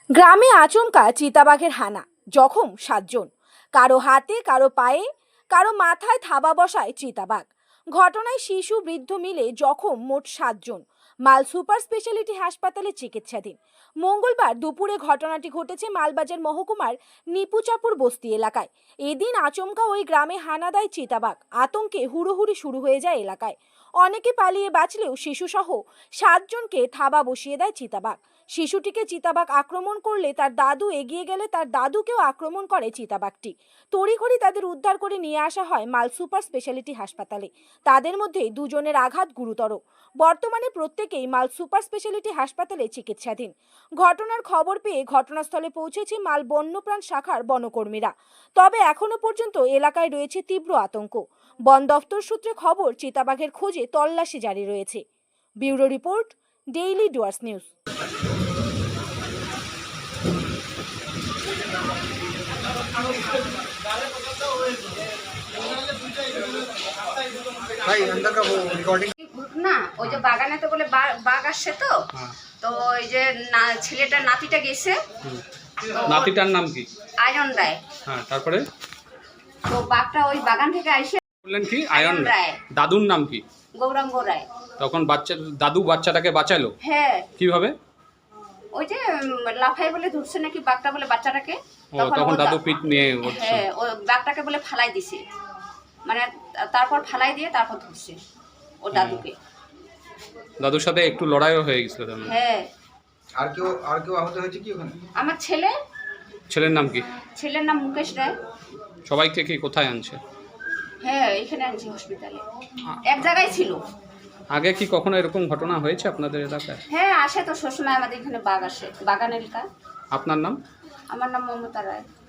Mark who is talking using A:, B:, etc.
A: গ্রামে আচমকা চিতাবাঘের হানা, জখম ৭ জন। কারো হাতে, কারো পায়ে, কারো মাথায় থাবা বসায় চিতাবাঘ। ঘটনায় শিশু বৃদ্ধ মিলে জখম মোট ৭ জন। মাল সুপার স্পেশালিটি হাসপাতালে চিকিৎসাধীন। মঙ্গলবার দুপুরে ঘটনাটি ঘটেছে মালবাজার মহকুমার নিপুচাপুর বস্তি এলাকায়। এদিন আচমকা ওই গ্রামে হানা দেয় চিতাবাঘ। আতঙ্কে হুড়োহুড়ি শুরু হয়ে যায় এলাকায়। অনেকে পালিয়ে বাঁচলেও শিশুসহ ৭ জনকে থাবা বসিয়ে দেয় চিতাবাঘ। শিশুটিকে চিতাবাঘ আক্রমণ করলে তার দাদু এগিয়ে গেলে তার দাদুকেও আক্রমণ করে চিতাবাঘটি। তড়িঘড়ি তাদের উদ্ধার করে নিয়ে আসা হয় মাল সুপার স্পেশালিটি হাসপাতালে। তাদের মধ্যে ২ জনের আঘাত গুরুতর। বর্তমানে প্রত্যেকেই মাল সুপার স্পেশালিটি হাসপাতালে চিকিৎসাধীন। ঘটনার খবর পেয়ে ঘটনাস্থলে পৌঁছেছে মাল বন্যপ্রাণ শাখার বনকর্মীরা। তবে এখনো পর্যন্ত এলাকায় রয়েছে তীব্র আতঙ্ক। বন দফতর সূত্রে খবর, চিতাবাঘের খোঁজে তল্লাশি জারি রয়েছে। Bureau report, daily Dooars news.
B: भाई अंदर का वो रिकॉर्डिंग
C: না ওই যে বাগানে তো বলে বাঘ আসছে তো তো ওই যে ছেলেটা নাতিটা গেছে। তো
D: নাতিটার নাম কি?
C: আয়ন রায়।
D: হ্যাঁ, তারপরে
C: তো বাঘটা ওই বাগান থেকে আইসে
D: বললেন কি আয়ন রায়।
C: রায়।
D: দাদুর নাম কি?
C: গৌরাঙ্গ রায়।
D: তখন দাদু বাচ্চাটাকে বাঁচালো
C: হ্যাঁ,
D: কিভাবে?
C: ওই যে লাফাই বলে ধরছে নাকি বাঘটা বলে বাচ্চাটাকে।
D: ও তখন দাদু পিঠ নিয়ে উঠছে।
C: হ্যাঁ, ও বাঘটাকে বলে ফালাই দিছে, মানে তারপর ফালাই দিয়ে তারপর ধরছে ও দাদুকে।
D: দাদুর সাথে একটু লড়াইও হয়ে গেছিল তার মানে।
C: হ্যাঁ,
B: আর কেউ আহত হয়েছে কি ওখানে?
C: আমার ছেলে।
D: ছেলের নাম কি?
C: ছেলের নাম মুকেশ রায়।
D: সবাইকে কি কোথায় আনছে?
C: হ্যাঁ, এখানে আনছি হসপিটালে, এক জায়গায় ছিল।
D: আগে কি কখনো এরকম ঘটনা হয়েছে আপনাদের এলাকায়?
C: হ্যাঁ, আসে তো সবসময় আমাদের এখানে বাঘ আসে, বাগান এলাকা।
D: আপনার নাম?
C: আমার নাম মমতা রায়।